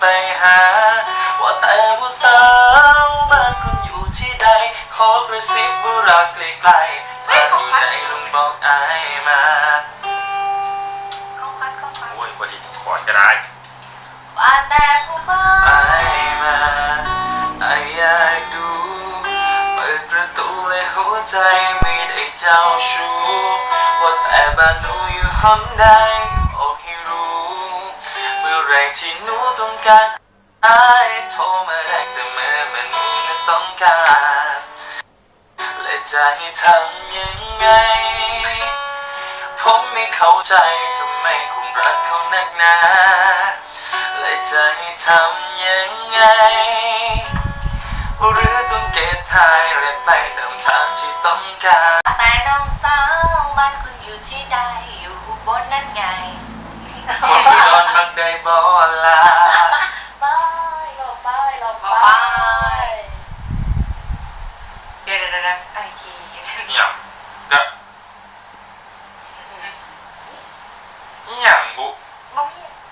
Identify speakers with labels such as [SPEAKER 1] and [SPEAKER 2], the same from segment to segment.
[SPEAKER 1] หาว่าแต่ผู้สาวบ้านคุณอยู่ที่ใดขอกระซิบว่ารักไกลๆถ้าอยู่ไหนลุงบอกอายมาโอ้ยพอดีขอจะได้
[SPEAKER 2] ว่าแต่ผู้บ้า
[SPEAKER 1] อายมาอายอยากดูเปิดประตูเลยหัวใจไม่ได้เจ้าชู้ว่าแต่บ้านหนูอยู่ห้องใดบอกให้รู้เมื่อไรที่หนูต้องการอายโทรมาได้เสมอเมื่อหนูนั้นต้องการและจะให้ทำยังไงผมไม่เข้าใจทำไมคุณรักเขานักหนาและจะให้ทำยังไงหรือต้องเกตทายและไปตามทางที่ต้องการ
[SPEAKER 2] แต่น้องสาวบ้านคุณอยู่ที่ใดอยู่บนนั่นไง
[SPEAKER 1] คนที่นอนบักได้บ่ลา
[SPEAKER 2] ไปหลบไปเดี๋ยวไอที
[SPEAKER 1] เนี่ยเด็กเนี่ยบุ
[SPEAKER 2] บ้อง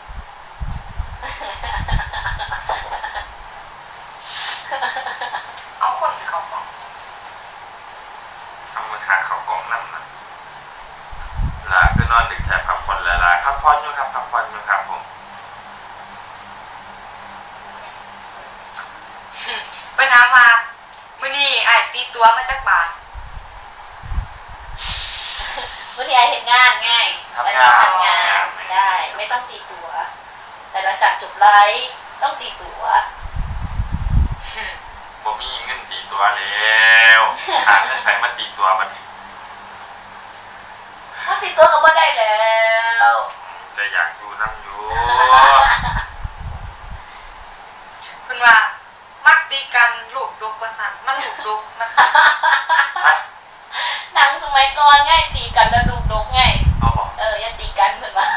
[SPEAKER 2] เอาคนจะเข้ากล่อง
[SPEAKER 1] เอามือขาเข้ากล่องนั่นนะลาคือนอนดึกแถบพักผ่อนลาพักผ่อนอยู่ครับพักผ่อนอยู่ครับผม
[SPEAKER 2] ไปถามมามื่อนี้ไอตีตัวมาจากบาทมื่อนี้ไอเห็นงานง่ายไปทำงานได้ไม่ต้องตีตัวแต่หลังจากจบไลฟ์ต้องตีตัว
[SPEAKER 1] ผมมีเงินตีตัวแล้วหาเงินใส่มาตีตัวมัน
[SPEAKER 2] ตีตัวก็ไม่ได้แล้ว
[SPEAKER 1] แต่อยากอยู่นั่งอยู่
[SPEAKER 2] คุณว่ามักตีกันลูกดุประสานมันลูกดุนะคะหนังสมัยก่อนง่ายตีกันแล้วลูกดุง่ายอย่าตีกันเหมือนว่า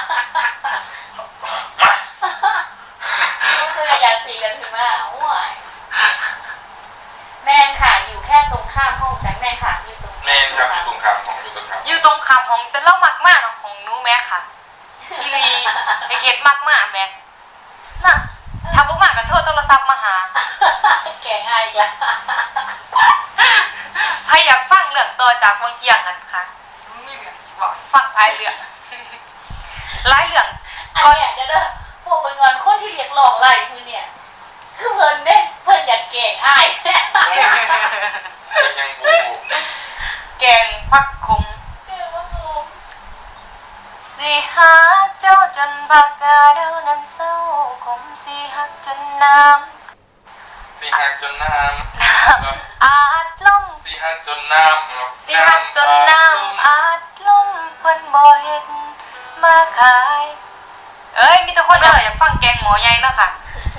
[SPEAKER 2] รู้สึกอยากตีกันถึงว่าโอ้ยแม่ค่ะอยู่แค่ตรงข้ามห้องกันแม่ค่ะอยู่ตรง
[SPEAKER 1] แม่ครับอยู่ตรงข้ามห้อง
[SPEAKER 2] อยู่ตรงข้ามห้องแต่เล่ามากมากของหนูแม่ค่ะอีลีไอเคสมากมากแม่น่ะทำพวกมากกันโทรศัพท์มาหาแก่ง่ายจ้ะใครอยากฟังเรื่องต่อจากบางเที่ยงกันค่ะมีเรื่องสิบอกฟังหลายเรื่องหลายเรื่องก่อนเนี่ยเด้อพวกเพิ่นงอนคนที่เรียกร้องไล่คือเนี่ยคือเพิ่นเด้เพิ่นอยากแก่อ้าย
[SPEAKER 1] ยังบู
[SPEAKER 2] แกงผักขมสิหาเจ้าจนผักกาเดานั้นเศร้าขมสิหักจนน้ำ
[SPEAKER 1] สิหักจนน้
[SPEAKER 2] ำอาจล่ม
[SPEAKER 1] สิหักจนน้ำ
[SPEAKER 2] สิหักจนน้ำอาจล่มเพิ่นบ่เฮ็ดมาขายเอ้ยมีทุกคนอยากฟังแกงหมอใหญ่เนาะค่ะ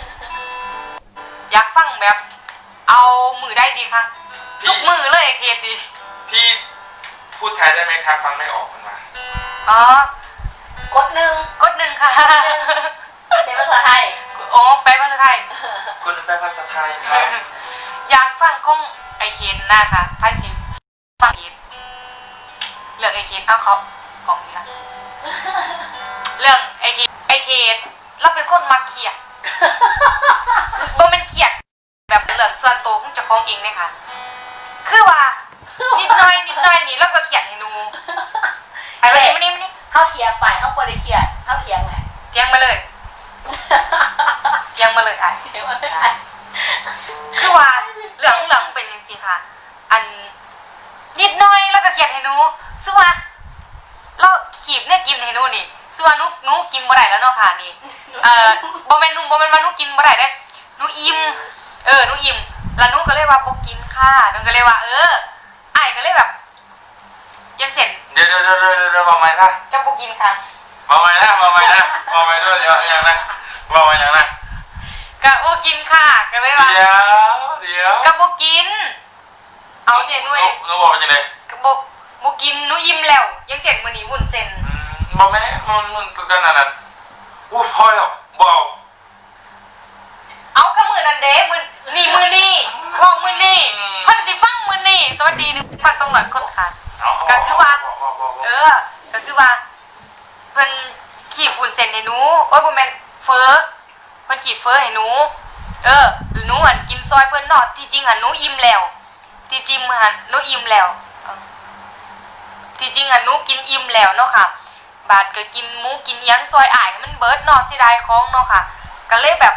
[SPEAKER 2] อยากฟังแบบเอามือได้ดีค่ะทุกมือเลยเคสดี
[SPEAKER 1] พี่พูดไทยได้ไหมครับฟังไม่ออกมันมา
[SPEAKER 2] อ๋อกดหนึ่งค่ะเป็นภาษาไทยอ๋อแปลภาษาไทย
[SPEAKER 1] คุณแปลภาษาไทยครับ
[SPEAKER 2] อยากฟังของไอเคนนะคะไพ่สิฟังเคนเรื่องไอเคนเอาเขาของนี้ละเรื่องไอเคนเราเป็นคนมักเขียดบ่เป็นเขียดแบบเรื่องส่วนตัวของเจ้าของเองเนี่ยค่ะคือว่านิดหน่อยนี่แล้วก็เขียนให้หนูอะไรไม่นี่เขาเถียงไปเขาบ่ได้เขียนเขาเถียงไงเถียงมาเลยไอ้คือว่าเรื่องเป็นจังซี่ค่ะอันนิดหน่อยแล้วก็เขียนให้หนูซึ่งว่าเราขีบเนี่ยกินให้หนูนี่ซึ่งว่าหนูกินบ่ได้แล้วเนาะค่ะนี่บ่แม่นว่าหนูกินบ่ได้เด้หนูอิ่มหนูอิ่มแล้วหนูก็เลยว่าบ่กินค่ะหนูก็เลยว่าไอ้ก็เลยแบบยังเสร็จ
[SPEAKER 1] เดี๋ยวมาใหม่ค่ะ
[SPEAKER 2] จะบ่กินค่ะ
[SPEAKER 1] มาใหม่ด้วยเดี๋ยวอย่างนะมาใหม่อย่างนะ
[SPEAKER 2] ก็บ่กินค่ะก็เลยว่า
[SPEAKER 1] เดี๋ยว
[SPEAKER 2] ก็บ่กินเอาเดี๋ยว
[SPEAKER 1] หนูบอกว่าจังได๋
[SPEAKER 2] ก็บ่กินหนูอิ่มแล้วยังเสร็จมื้อนี้วุ้นเส้น
[SPEAKER 1] บ่แม่มันตัวนั้นอู้พอแล้วบอก
[SPEAKER 2] เอาก็มื้อนั้นเด้มื้อนี้บอกมื้อนี้เพิ่นสิฟังมื้อนี้สวัสดีฟังตรงหลังคนค่ะก็คือว่าก็คือว่าเพิ่นขีบวุ้นเส้นให้หนูโอ้ยบ่แม่นเฟอเพิ่นขีกีบเฟอให้หนูหนูหันกินซอยเพิ่นเนาะที่จริงหันหนูอิ่มแล้วที่จริงหันหนูอิ่มแล้วที่จริงหันหนูกินอิ่มแล้วเนาะค่ะบาดก็กินหมูกินยังซอยอ้ายมันเบิดเนาะเสียดายของเนาะค่ะก็เลยแบบ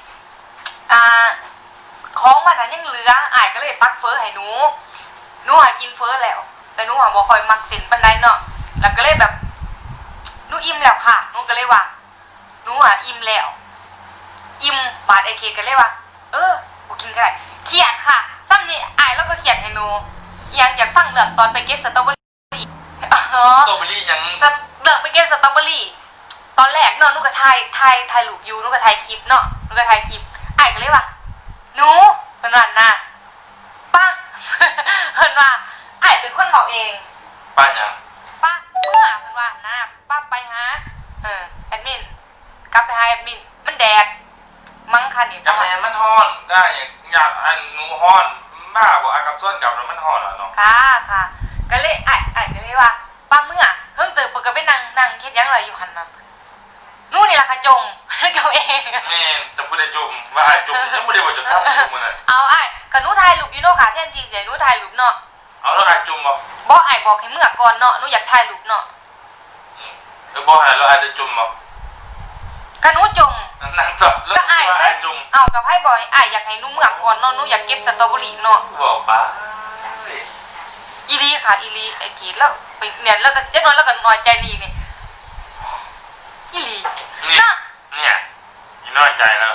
[SPEAKER 2] ของมันนั้นยังเหลืออ้ายก็เลยตักเฟอให้หนูหันกินเฟอแล้วแต่หนูหันบ่ค่อยมักเส้นปานใดเนาะแล้วก็เลยแบบหนูอิ่มแล้วค่ะหนูก็เลยว่าหนูอิ่มแล้วอิ่มบาดไอเคก็เลยว่ากูกินก็ได้เขียนค่ะซ้ำนี่อ้ายแล้วก็เขียนให้หนูอยากฟังเรื่องตอนไปเก็บสตรอเบอรี่
[SPEAKER 1] สตรอเบอรี่ยัง
[SPEAKER 2] เรื่องไปเก็บสตรอเบอรี่ตอนแรกเนาะหนูก็ถ่ายรูปอยู่หนูก็ถ่ายคลิปเนาะหนูก็ถ่ายคลิปอ้ายก็เลยว่าหนูเพิ่นว่าน่ะป้าเพิ่นว่าอ้ายเป็นคนบอกเอง
[SPEAKER 1] ป้ายัง
[SPEAKER 2] ป้าเมื่อเพิ่นว่าน่ะป้าไปหาแอดมินกลับไปหาแอดมินมันแดดมั้งค่ะนี่
[SPEAKER 1] จำแม่มันฮ้อนได้อยากอันหนูฮ้อนบ้าบ่อากับส่วนกับแล้วมันฮ้อนอ่ะเนาะ
[SPEAKER 2] ค่ะก็เลยอ้ายก็เลยว่าป้าเมื่อเพิ่งตื่นปกติไปนั่งเฮ็ดหยังไรอยู่หั่นน่ะนู่นนี่ล่ะค่ะจมเอง
[SPEAKER 1] แม่จะพูดได้จมว่าอ้ายจมยังบ่ได้ว่าจะเข้าจมมื้อนั้น
[SPEAKER 2] เอาอ้ายก็หนูถ่ายรูปอยู่เนาะค่ะแทนที่สิหนูถ่ายรูปเนาะ
[SPEAKER 1] เอาแล้วอ้ายจมบ่
[SPEAKER 2] อ้ายบอกให้เมื่อก่อนเนาะหนูอยากถ่ายรูปเนาะ
[SPEAKER 1] บ่ให้แล้วอ้ายจะจมบ่
[SPEAKER 2] ก็หนูจม
[SPEAKER 1] นั่นจ้ะแล้วอ้ายจม
[SPEAKER 2] เอากับไผบ่อ้ายอยากให้หนูเมื่อก่อนเนาะหนูอยากเก็บสตรอเบอรี่เนาะ
[SPEAKER 1] บอกป้า
[SPEAKER 2] อีลีค่ะอีลีไอ้กีแล้วไปเนี่ยแล้วก็จักน้อยแล้วก็น้อยใจนี่นี่อีลี
[SPEAKER 1] เนี่ยอีน้อยใจแล้ว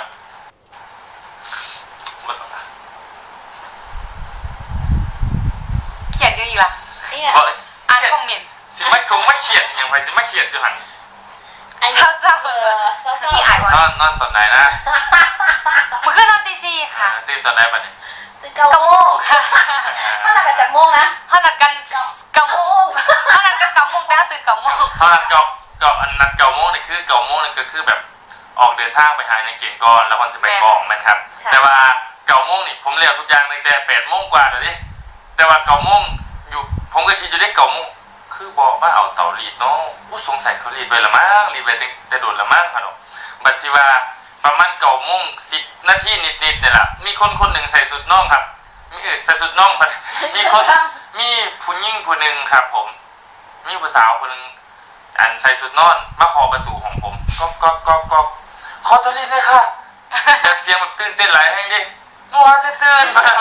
[SPEAKER 2] เขียนยังอีกล่ะอ่านคอมเมนต์
[SPEAKER 1] สิไม่คงไม่เขียนอย่างไรสิไม่เขียนอยู่หัน
[SPEAKER 2] เศร้าที่อ่าน
[SPEAKER 1] นอนตอนไหนนะ
[SPEAKER 2] มันคือนอนตี 4ค่ะ
[SPEAKER 1] ตื่นตอนไหนปะเนี่ย
[SPEAKER 3] ตื่น9 โมงเขานัดกันจากโมงนะ
[SPEAKER 2] เขานัดกัน9 โมงเขานัดกัน9 โมงแต่เขาตื่น9 โมง
[SPEAKER 1] เขานัดนัด9 โมงนี่คือ9 โมงนี่ก็คือแบบออกเดินทางไปหาในเก่งก่อนแล้วคนจะไปกองมันครับแต่ว่า9 โมงนี่ผมเรียกทุกอย่างตั้งแต่8 โมงกว่าเลยดิแต่ว่า9 โมงอยู่ผมก็คิดอยู่ได้9 โมงคือบอกว่าเอาเตารีดเนาะสงสัยเขารีดไว้ละมั้งรีดไว้แต่โดดละมั้งครับบัดสิว่าประมาณ9 โมง 10 นาทีนิดๆเนี่ยแหละมีคนหนึ่งใส่สุดน่องครับใส่สุดน่องมีผู้หญิงผู้หนึ่งครับผมมีผู้สาวคนนึงอันใส่สุดนอนมาขอประตูของผมก็ขอตัวรีดเลยค่ะแบบเสียงแบบตื่นเต้นหลายแห่งดินัวตื่นมา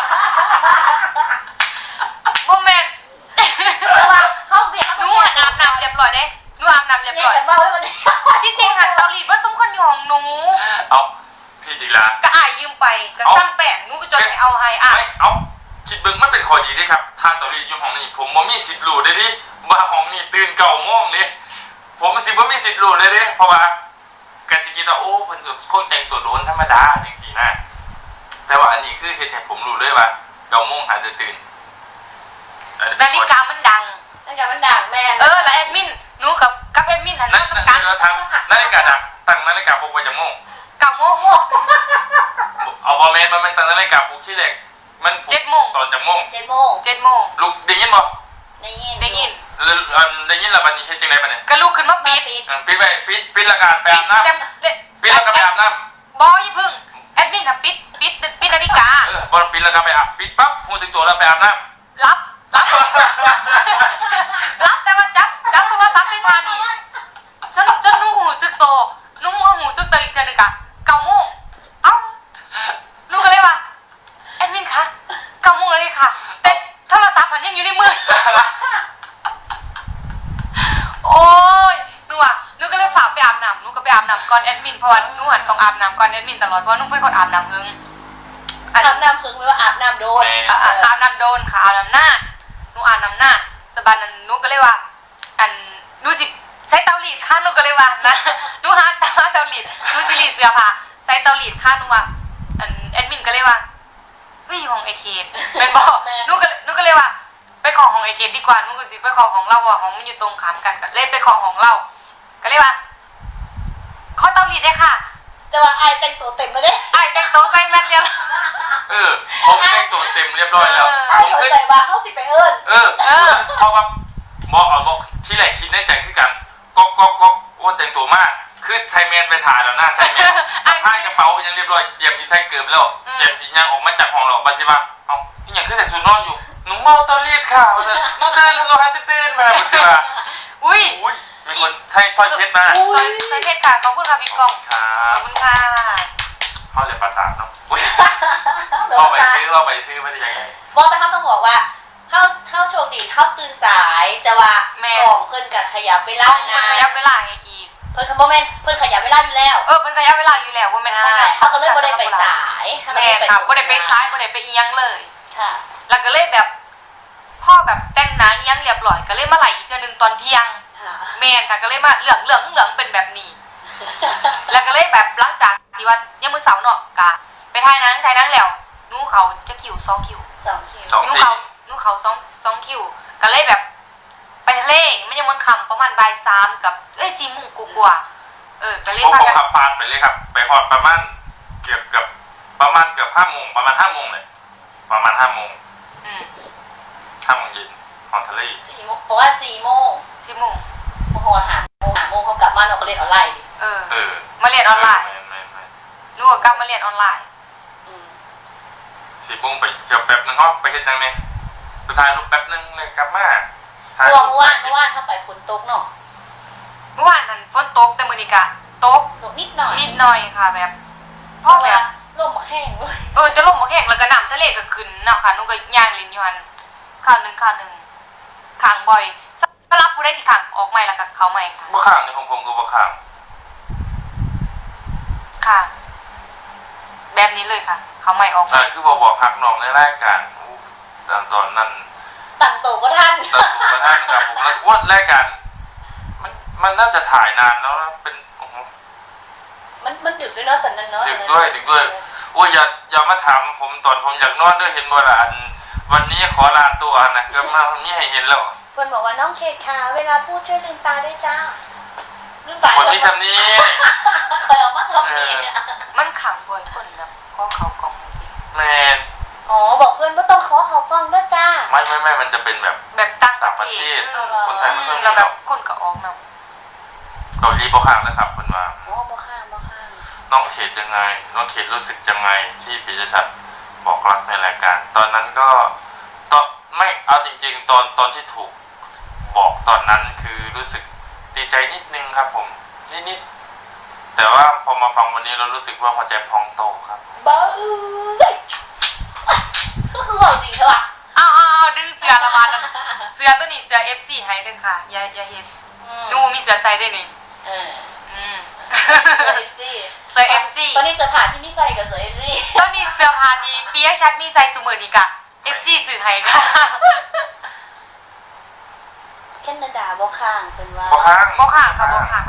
[SPEAKER 2] บ่แม่น
[SPEAKER 3] เขาเบียด
[SPEAKER 2] หนูอาบน้ำเรียบร้อยเด้หนูอาบน้ำเรียบร้อยที่จริงหันเตารีดว่าสมคนอยู่ของหนู
[SPEAKER 1] เอาพี่ดีละ
[SPEAKER 2] ก็อ้ายยืมไปก็สร้างแป้งหนูก็จนให้เอาให้
[SPEAKER 1] เอาคิดเบิ่งมันเป็นข้อดีดิครับทานเตารีดอยู่ห้องนี้ผมบ่มีสิทธิ์รู้ได้ดิว่าห้องนี้ตื่น9 โมงนี่ผมบ่มีสิทธิ์รู้เลยดิเพราะว่ากะสิคิดว่าโอ้เพิ่นคนแต่งตัวโดนธรรมดาจังซี่นะแต่ว่าอันนี้คือเฮ็ดให้ผมรู้เลยว่า9 โมงหาจะตื่น
[SPEAKER 2] นาฬิกามันดัง
[SPEAKER 3] แม่
[SPEAKER 2] แล้วแอดมินหนูกับแอดมินหัน
[SPEAKER 1] นั่นเราทำนาฬิกาดังตั้งนาฬิกาปลุกไว้จากโมง
[SPEAKER 2] 9 โมง
[SPEAKER 1] เอาบอลแมนมันตั้งนาฬิกาปลุกที่เล็กมัน
[SPEAKER 2] 7 โมง
[SPEAKER 1] ตอนจากโมง
[SPEAKER 2] 7 โมง
[SPEAKER 1] ลูกได้ยินบ่
[SPEAKER 3] ได้ยิน
[SPEAKER 1] ได้ยินแล้วบัดนี้เฮ็ดจังได๋บัดนี้
[SPEAKER 2] ก็ลุกขึ้นมาปิด
[SPEAKER 1] ไว้ปิดละกันไปอาบน้ำปิดแล้วก็ไปอาบน้
[SPEAKER 2] ำบ่อย่าพึ่งแอดมินน่ะปิดนาฬิกา
[SPEAKER 1] บอลปิดแล้วก็ไปอาบปิดปั๊บรู้สึกตัวแล้วไปอาบน้
[SPEAKER 2] ำรับแต่ว่าจับโทรศัพท์ไม่ทันอีกจนหนูหูสึกโตหนูหูสึกโตอีกเทื่อนึง9 โมงเอ้าหนูก็เลยว่าแอดมินคะ9 โมงเลยค่ะแต่โทรศัพท์มันยังอยู่ในมือโอ้ยหนูก็เลยฝากไปอาบน้ำหนูก็ไปอาบน้ำก่อนแอดมินเพราะว่าหนูหันต้องอาบน้ำก่อนแอดมินตลอดเพราะหนูเป็นคนอาบน้ำหึง
[SPEAKER 3] อาบน้ำหึงไม่ว่าอาบน้ำโดน
[SPEAKER 2] อาบน้ำโดนค่ะอาบน้ำหน้าหนูอาบน้ำหน้าแต่บ้านนั้นหนูก็เลยว่าหนูสิใช้เตารีดค่ะหนูก็เลยว่านะหนูหาเตารีดหนูสิรีดเสื้อผ้าใช้เตารีดค่ะหนูว่าแอดมินก็เลยว่าเฮ้ยของไอเคทเป็นบอกหนูก็เลยว่าไปขอของไอเคทดีกว่าหนูก็สิไปขอของเราว่าของมันอยู่ตรงข้ามกันก็เลยไปขอของเราก็เลยว่าขอเตารีดได้ค่ะ
[SPEAKER 3] แต่ว่าไอแต่งตัวเต็มแล้วเด้
[SPEAKER 2] ไอแต่งตัวใส่แมสเดียว
[SPEAKER 1] ผมแต่งตัวเต็มเรียบร้อยแล้ว
[SPEAKER 3] ผมขึ้นใส่บาเขาสิไปเอิ้น
[SPEAKER 1] เพราะว่าบอกที่แรกคิดในใจคือกันก็โอ้แต่งตัวมากคือไทยแมนไปถ่ายแล้วหน้าไทยแมนสะพายกระเป๋าร้อยเตรียมอีไซเกิมแล้วเตรียมสีย่างออกมาจากห้องเราบาสิว่าเอาอีหยังคือแต่สูนนอนอยู่หนูเมาตอนรีดค่ะว่าจะหนูตื่นเราให้ตื่นมาบาสิว่า
[SPEAKER 2] อุ้ย
[SPEAKER 1] อุ้ยมีคนใช้สร้อยเพชรมา
[SPEAKER 2] ซอยเพชรค่ะขอบคุณค่ะพี่กอง
[SPEAKER 1] ครั
[SPEAKER 2] ขอบบ คุณค่ะ
[SPEAKER 1] เขาเรียนภาษาเนาะอุ้ยเราไปซื้อไม่ได้ยังไง
[SPEAKER 3] บอกแต่เขาต้องบอกว่าเข้าโชคดีเข้าตื่นสายแต่ว่าของเพิ่นกับขยับเวลา
[SPEAKER 2] ต้องมันระยะเวลาไงอีก
[SPEAKER 3] เพิ่นคำว่าแม่นเพิ่นขยับเวลาอยู่แล้ว
[SPEAKER 2] มันระยะเวลาอยู่แล้วว่าแม่น
[SPEAKER 3] ใช่เขาก็เลยบ่ได้ไปสายเขาก็
[SPEAKER 2] แม่
[SPEAKER 3] เลย
[SPEAKER 2] ค่ะบ่ได้ไปซ้ายบ่ได้ไปอีหยังเลย
[SPEAKER 3] ค่ะ
[SPEAKER 2] แล้วก็เลยแบบพ่อแบบแต่งหน้าอีหยังเรียบร้อยก็เลยมาไหลอีกเทื่อนึงตอนเที่ยง
[SPEAKER 3] ค่ะ
[SPEAKER 2] แม่ค่ะก็เลยมาเหลืองเป็นแบบนี้ แล้วก็เลยแบบหลังจากที่ว่ายังมื้อเสาร์เนาะกะไปถ่ายหนังแล้วนูเขาจะคิว2คิว
[SPEAKER 3] 2 คิว
[SPEAKER 1] สอง
[SPEAKER 2] นูเขา2คิวก็เลยแบบไปทะเลมันยังมันค่ำประมาณบ่าย3กับ4 โมงกว่าก็เลย
[SPEAKER 1] ผม
[SPEAKER 2] พากัน
[SPEAKER 1] ขับฟานไปเลยครับไปฮอดประมาณเกือบ5 โมงประมาณ5 โมงเลยประมาณ5 โมง 5 โมงเย็นฮอดทะเล
[SPEAKER 3] 4 โมงเพราะว่า4 โมง
[SPEAKER 2] 4 โมง
[SPEAKER 3] โมโหหาโมงเขากลับบ้านเราก็เล่นออนไลน์ดิ
[SPEAKER 2] มาเรียนออนไลน์
[SPEAKER 1] ไม่
[SPEAKER 2] หนูก็กลับมาเรียนออนไลน์
[SPEAKER 1] 4 โมงไปเที่ยวแป๊บนึงฮะไปเฮ็ดจังไงไปถ่ายรูปแป๊บนึงเลยกลับมา
[SPEAKER 3] เมื่อวานเข้าไปฝนตกเนาะ
[SPEAKER 2] เมื่อวานนั้นฝนตกแต่มื้อนี้ก็ตก
[SPEAKER 3] ตกนิดหน่อย
[SPEAKER 2] นิดหน่อยค่ะแบบพ่อแบบ
[SPEAKER 3] ลมมาแห้งเลย
[SPEAKER 2] จะลงมาแข่งแล้วก็น้ำทะเลก็ขึ้นเนาะค่ะหนูก็ย่างลิ้นอยู่หันข้าวหนึ่งขังบ่อยก็รับผู้ได้ที่ขังออกใหม่แล้วก็เขาใหม่ค่ะ
[SPEAKER 1] บ่ข้างในของผมก็บ่ข้าง
[SPEAKER 2] ค่ะ แบบนี้เลยค่ะ เขาใหม่ออกใหม่
[SPEAKER 1] คือบ่บอกฮักน้องในรายการตอนนั้น
[SPEAKER 3] ตั้งโตก็ท่าน
[SPEAKER 1] ตัดตัวกระทั่งครับผมแล้วว่ารายการมันน่าจะถ่ายนานแล้วนะเป็นโอ้โห
[SPEAKER 3] มันดึกด้วยเนาะตอนนั้นเนาะ
[SPEAKER 1] ดึกด้วยโอ้ยอย่ามาถามผมตอนผมอยากนอนด้วยเห็นบ่ล่ะวันนี้ขอลาตัวนะก็มาวันนี้ให้เห็นแล้ว
[SPEAKER 3] เพิ่นบอกว่าน้องเค้กค่ะเวลาพูดช่วยลืมตาด้วยจ้าลืมตา
[SPEAKER 1] คนมีสำนี้
[SPEAKER 3] เคยออกมาชมนี่
[SPEAKER 2] มันขังบ่อยคนแบบก็เขากล่องที
[SPEAKER 1] แมน
[SPEAKER 3] อ๋อบอกเพื่อนว่าต้องขอเขาฟังด้วยจ้า
[SPEAKER 1] ไม่มันจะเป็นแบบ
[SPEAKER 2] แบบตั้ง
[SPEAKER 1] ต่างประเทศคนไทยไม่ค่อยมี
[SPEAKER 2] แล้ว
[SPEAKER 1] ห
[SPEAKER 2] แบ
[SPEAKER 1] ร
[SPEAKER 2] บอก คนก็ออกเนาะ
[SPEAKER 1] เกาหลีบ่ข้างนะครับเพิ่นว่า
[SPEAKER 3] อ๋อบ่ข้าม
[SPEAKER 1] น้องเขตยังไงน้องเขตรู้สึกยังไงที่ปิยชัดบอกรักในรายการ ตอนนั้นก็ตอนไม่เอาจริงๆตอนที่ถูกบอกตอนนั้นคือรู้สึกดีใจนิดนึงครับผมนิดแต่ว่าพอมาฟังวันนี้เรารู้สึกว่าหัวใจพองโตครับ
[SPEAKER 3] บ้าก็คือบอกจริงใช่ป่ะ
[SPEAKER 2] เอาดึงเสือละมาแล้วเสือตัวนี้เสือ FC ให้เด้อค่ะอย่าเฮ็ดหนูมีเสือใส่ได้นี่เสือ FC
[SPEAKER 3] ตอนนี้เสื้อผ้าที่นี่ใส่กับเสื้อ FC
[SPEAKER 2] ตอนนี้เสื้อผ้าที่ปิยชัดมีใส่ซุมื้อนี้ก็ FC ซื้อให้ค่ะ
[SPEAKER 3] แคนาดาบ่ข้างเพิ่นว่า
[SPEAKER 1] บ่ข้าง
[SPEAKER 2] บ่ค่ะค่ะบ่ค่ะ